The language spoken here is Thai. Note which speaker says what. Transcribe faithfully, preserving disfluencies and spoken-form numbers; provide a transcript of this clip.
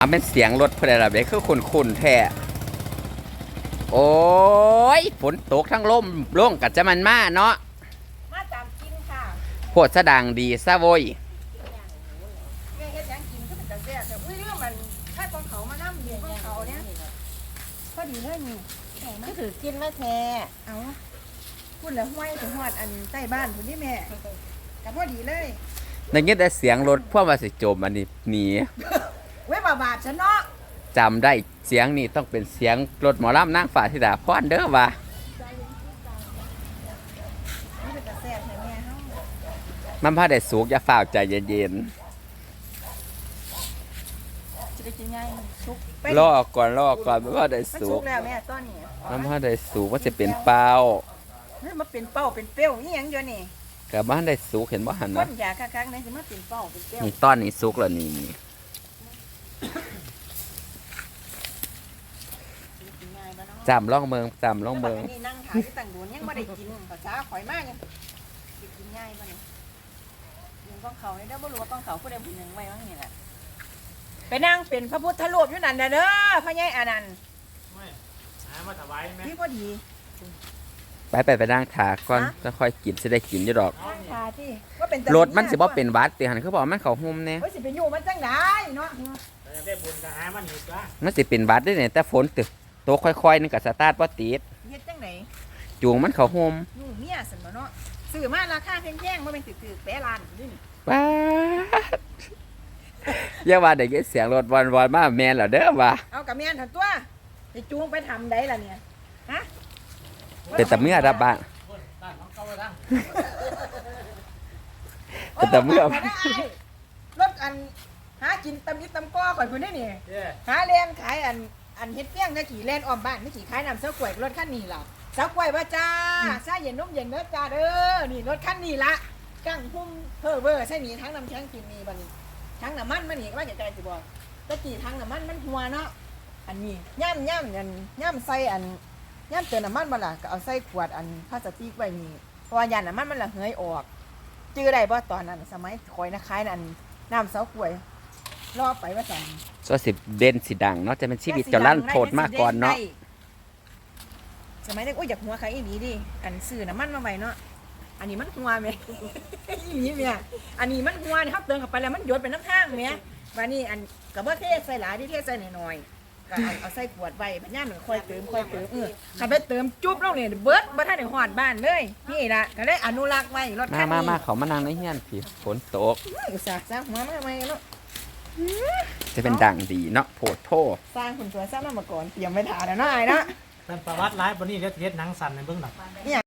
Speaker 1: มันเป็นเสียงรถพลเรือนคือคุ้นๆแท้โอ้ยฝนตกทั้งลมร่งกับจะมันมาเนาะ
Speaker 2: มาตามกินค่ะ
Speaker 1: โพดสะดังดีซะโว้ย
Speaker 2: แม่เฮ็ดหยังกินก็เป็นจังแซ่บแต่อุ้ยเรื่องมันถ้าของเขามานั่งอยู่ของเขาเนี่ยพอดีเลยนี่ก็ถือกินมาแท้เอาพูดแล้วห้วยถึงหอดอันใต้บ้านคุณนี่แม่กับพอดีเลย
Speaker 1: ในยินแต่เสียงรถพวกมาสิโจมอันนี้หนี
Speaker 2: เว้ยบาบาดฉันเนาะ
Speaker 1: จำได้เสียงนี่ต้องเป็นเสียงรถหมอลำนางฟ้าธิดาพรเด้อว่ะมันพาได้สูกอย่าฝ่าวใจเย็นๆรอก่อนรอก่อนมันพาได้สูก
Speaker 2: แล้วแม่ต้นนี่
Speaker 1: มันพาได้สูกว่าจะเป็นเป้า
Speaker 2: เฮ้ยมันเป็นเป้าเป็นเปรี้ยวนี่ยังเดียวนี่
Speaker 1: กับบ้านได้สูกเห็นบ่หันนะ
Speaker 2: ต้นยาคักๆนี่จะมาเป็นเป้าเป็นเปรี้ยว
Speaker 1: นี่ต้อนนี่สูกแล้วนี่จำล่องเมืองจำล่องเมือง
Speaker 2: นี่นั่งขายที่ต่างโดนยังไม่ได้กินภาษาข่อยมากยังกินง่ายป่ะเนี่ยยิงกองเขาเนี่ยเด้อบ่รู้ว่ากองเขาผู้ใดผู้หนึ่งไว้ว่าไงล่ะไปนั่งเป็นพระพุทธรูปอยู่นั่นเด้อพระยายอนันต์
Speaker 3: ไม่หามาถวายไหม
Speaker 2: พี่พอดี
Speaker 1: ไปไปไปนั่งถาก่อนจะค่อยกินจะได้กินอยู่ดอก
Speaker 2: ถาที่ว่าเป็น
Speaker 1: รถมันสิบ่เป็นวัดตีหันเขาบอกมันเขาหุ่มเนี่ย
Speaker 2: ว่าสิเป็นอยู่มันจังได้เนาะ
Speaker 3: ได้บุญก็หามันอีกละ
Speaker 1: มันสิเป็นวัดได้เนี่ยแต่ฝนตึกโตค่อยๆนึงกับสตาร์ทว่าติด
Speaker 2: เฮ็ดจังไหน
Speaker 1: จูงมันเขาหุ่ม
Speaker 2: อยู่เมียสันบ่เนาะซื้อมาราคาแพงๆว่าเป็นตึกๆแปะล้านนี่
Speaker 1: ป้าอย่าว่าได้ยินเสียงรถวันวันมาแมนเหรอเด้อว่ะ
Speaker 2: เอากับแม่นถัดตัวจะจูงไปทำได้ล่ะเนี่ยฮะ
Speaker 1: เป็นแต่เมื่อรับบ้านเป็นแต่เมื่อ
Speaker 2: รถอันหากินตำยิตำก้อก่อนคุณได้เนี่ยหาเลี้ยงขายอันอันเฮ็ดเปี้ยงนะขี่เล่นอ้อมบ้านนี่ขี่ขายน้ำเสากล้วยรถคันนี้ล่ะเสากล้วยว่าจ้าซาเย็นนุ่มเย็นเด้อจ้าเด้อนี่รถคันนี้ละกั้งพุ่มเพ้อเบ้อใช่หนีทั้งน้ำแข็งกินนี่บัดนี้ทั้งน้ำมันมันนี่ว่าจะใจสิบ่ตะกี้ทั้งน้ำมันมันหัวเนาะอันนี้ย่ำย่ำอันย่ำใส่อันย่ำเติมน้ำมันมาล่ะก็เอาใส่ขวดอันพลาสติกไว้นี่เพราะว่ายันน้ำมันมันละเหยออกจื้อได้บ่ตอนนั้นสมัยคอยนะขายนั่นน้ำเสากล้วยรอไปว่าสั่ง
Speaker 1: ก็สิเด่นสิดังเนาะจะเป็นชีวิตจะลั่นโผดมากก่อนเนาะ
Speaker 2: สมัยนี้โอ้ยอยากหัวใครอีนี้ดิอันซื้อน้ำมันมาไว้เนาะอันนี้มันหัวไหมอีนี้เนี่ยอันนี้มันหัวนะครับเติมเข้าไปแล้วมันหยดเป็นน้ำข้างไหมวันนี้อันกับว่าเทใส่หลายที่เทใส่หน่อยๆก็เอาใส่ขวดไว้พญามันค่อยเติมค่อยเติมเออขับไปเติมจุ๊บลงเนี่ยเบิร์ดบ่ทันได้หอดบ้านเลยนี่ละก็ได้อนุรักษ์ไว้รถคันนี้
Speaker 1: มามาเขามานั่งในเฮียนพี่ฝนตก
Speaker 2: อุตส่าห์สร้างหัวมาใหม่เนาะ
Speaker 1: จะเป็นดังดีเนาะโผดโพ
Speaker 2: สร้างคุณสวยสร้างมาก่อนเตรียมไว้ถ่ายแล้วเนาะไอ้เนาะ
Speaker 3: เป็นประวัติร้ายบนนี้เรียกเรียกหนังสั่นในเบื้องหลัง